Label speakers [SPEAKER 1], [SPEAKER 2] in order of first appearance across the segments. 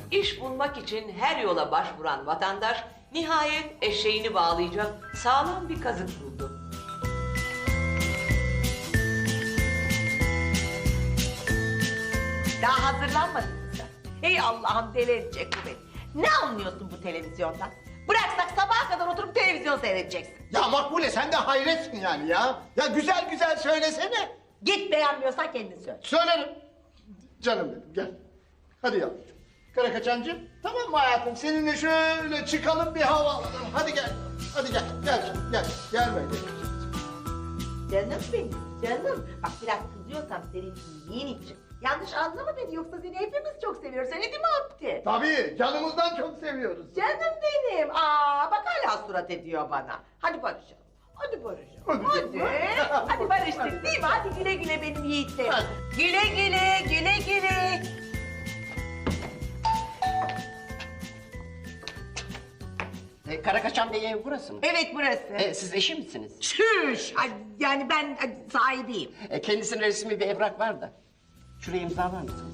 [SPEAKER 1] İş bulmak için her yola başvuran vatandaş nihayet eşeğini bağlayacak sağlam bir kazık buldu.
[SPEAKER 2] Daha hazırlanmadın mı sen? Ey Allah'ım deli edecek bu beni. Ne anlıyorsun bu televizyondan? Bıraksak sabaha kadar oturup televizyon seyredeceksin.
[SPEAKER 3] Ya Makbule sen de hayretsin yani ya. Ya güzel güzel söylesene.
[SPEAKER 2] Git beğenmiyorsan kendin söyle.
[SPEAKER 3] Söylerim. Canım benim gel. Hadi yavrucuğum. Karakaçancığım tamam mı hayatım? Seninle şöyle çıkalım bir hava alalım. Hadi gel. Hadi gel. Gel canım gel. Gel böyle.
[SPEAKER 2] Canım benim, canım. Bak biraz kızıyorsam senin iyiliğin için. Yanlış anlama beni yoksa seni hepimiz çok seviyoruz. Seni değil mi Abdi?
[SPEAKER 3] Tabii canımızdan çok seviyoruz.
[SPEAKER 2] Canım benim. Aa bak hala surat ediyor bana. Hadi barışalım. Hadi barışalım.
[SPEAKER 3] Hadi.
[SPEAKER 2] Hadi barıştık değil mi? Hadi güle güle benim yiğitlerim.
[SPEAKER 3] Hadi.
[SPEAKER 2] Güle güle, güle güle.
[SPEAKER 4] Karakaçan Bey ev burası mı?
[SPEAKER 2] Evet burası.
[SPEAKER 4] Siz eşi misiniz?
[SPEAKER 2] Şüş. Ay, yani ben sahibiyim.
[SPEAKER 4] Kendisinin resmi bir evrak var da. Şuraya imzalar mısınız?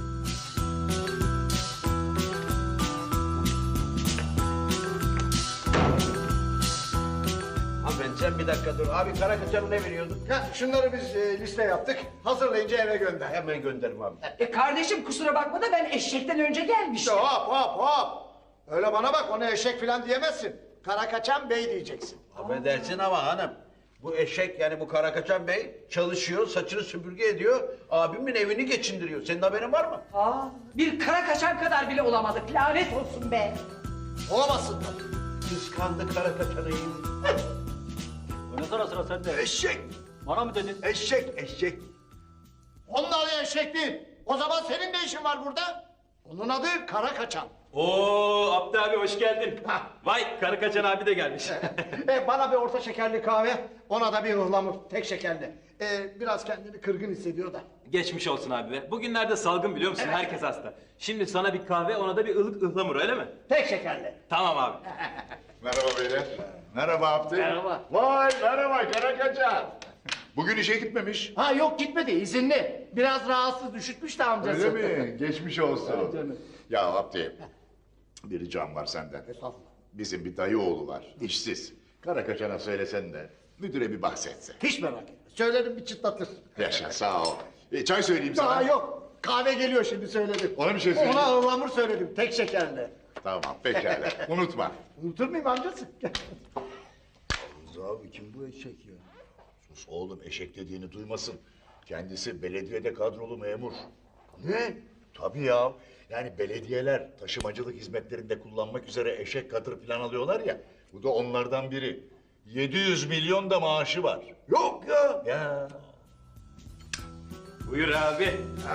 [SPEAKER 5] Hanımefendi sen bir dakika dur. Abi Karakaçan'a ne veriyordun?
[SPEAKER 3] Ya şunları biz liste yaptık. Hazırlayınca eve gönder.
[SPEAKER 5] Hemen gönderim abi.
[SPEAKER 6] Kardeşim kusura bakma da ben eşekten önce gelmiştim.
[SPEAKER 3] Hop hop hop. Öyle bana bak ona eşek falan diyemezsin. Karakaçan Bey diyeceksin.
[SPEAKER 5] Affedersin ama hanım. Bu eşek yani bu Karakaçan Bey çalışıyor, saçını süpürge ediyor, abimin evini geçindiriyor. Senin haberin var mı?
[SPEAKER 6] Aa, bir kara kaçan kadar bile olamadık. Lanet olsun be.
[SPEAKER 3] Olamazsın tabii.
[SPEAKER 5] Kıskandı Karakaçan'ı.
[SPEAKER 7] Ne sıra sende?
[SPEAKER 5] Eşek!
[SPEAKER 7] Bana mı dedin?
[SPEAKER 5] Eşek!
[SPEAKER 3] Onun adı eşek değil. O zaman senin ne işin var burada? Onun adı Karakaçan.
[SPEAKER 7] Oo Abdi abi hoş geldin.
[SPEAKER 3] Hah.
[SPEAKER 7] Vay Karakaçan abi de gelmiş.
[SPEAKER 3] Bana bir orta şekerli kahve, ona da bir ıhlamur, tek şekerli. Biraz kendini kırgın hissediyor da.
[SPEAKER 7] Geçmiş olsun abi be. Bugünlerde salgın biliyor musun? Herkes hasta. Şimdi sana bir kahve ona da bir ılık ıhlamur öyle mi?
[SPEAKER 3] Tek şekerli.
[SPEAKER 7] Tamam abi.
[SPEAKER 8] Merhaba beyler. Merhaba Abdi.
[SPEAKER 3] Merhaba.
[SPEAKER 8] Vay merhaba Karakaçan. Bugün işe gitmemiş.
[SPEAKER 3] Ha yok gitmedi, izinli. Biraz rahatsız, üşütmüş de amcası.
[SPEAKER 8] Öyle mi? Geçmiş olsun.
[SPEAKER 3] Evet, canım.
[SPEAKER 8] Ya Abdi, bir ricam var senden.
[SPEAKER 3] Estağfurullah.
[SPEAKER 8] Bizim bir dayı oğlu var, işsiz. Karakaçan'a söylesen de müdüre bir bahsetse.
[SPEAKER 3] Hiç merak etme. Söylerim bir çıtlatır.
[SPEAKER 8] Yaşa sağ ol. Çay söyleyeyim sana.
[SPEAKER 3] Daha yok. Kahve geliyor şimdi söyledim.
[SPEAKER 8] Ona bir şey söyle.
[SPEAKER 3] Ona ıhlamur söyledim, tek şekerli.
[SPEAKER 8] Tamam pekala. Unutma.
[SPEAKER 3] Unutur muyum amcası?
[SPEAKER 8] Abi kim bu eşek ya? Sus oğlum eşek dediğini duymasın. Kendisi belediyede kadrolu memur. Ne? Tabii ya. Yani belediyeler taşımacılık hizmetlerinde kullanmak üzere eşek katır falan alıyorlar ya. Bu da onlardan biri. 700 milyon da maaşı var. Yok ya. Ya.
[SPEAKER 7] Buyur abi.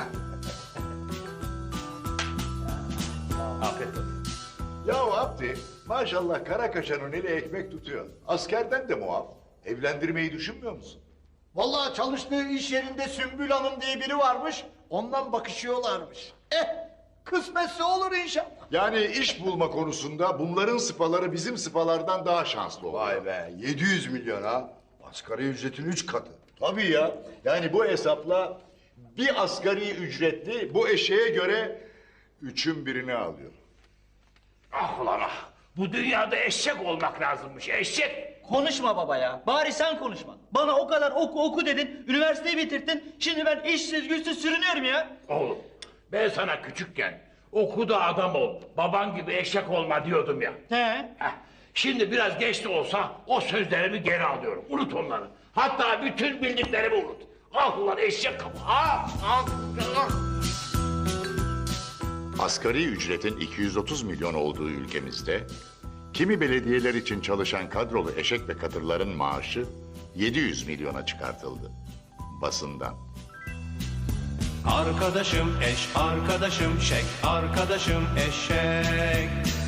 [SPEAKER 7] Afiyet olsun.
[SPEAKER 8] Ya Abdi maşallah Karakaçan'ın eli ekmek tutuyor. Askerden de muaf. Evlendirmeyi düşünmüyor musun?
[SPEAKER 3] Vallahi çalıştığı iş yerinde Sümbül Hanım diye biri varmış. Ondan bakışıyorlarmış. Kısmetse olur inşallah.
[SPEAKER 8] Yani iş bulma konusunda bunların sıpaları bizim sıpalardan daha şanslı oluyor.
[SPEAKER 5] Vay be 700 milyon ha. Asgari ücretin 3 katı.
[SPEAKER 8] Tabii ya. Yani bu hesapla bir asgari ücretli bu eşeğe göre 3'ün birini alıyor.
[SPEAKER 9] Ah ulan ah! Bu dünyada eşek olmak lazımmış, eşek!
[SPEAKER 10] Konuşma baba ya. Bari sen konuşma. Bana o kadar oku dedin, üniversiteyi bitirdin. Şimdi ben işsiz güçsüz sürünüyorum ya.
[SPEAKER 9] Oğlum, ben sana küçükken oku da adam ol, baban gibi eşek olma diyordum ya.
[SPEAKER 10] He.
[SPEAKER 9] Heh, şimdi biraz geç de olsa o sözlerimi geri alıyorum, unut onları. Hatta bütün bildiklerimi unut. Ah ulan eşek kafa! Ah!
[SPEAKER 8] Asgari ücretin 230 milyon olduğu ülkemizde kimi belediyeler için çalışan kadrolu eşek ve katırların maaşı 700 milyona çıkartıldı. Basından.
[SPEAKER 11] Arkadaşım eş, arkadaşım şek, arkadaşım eşek.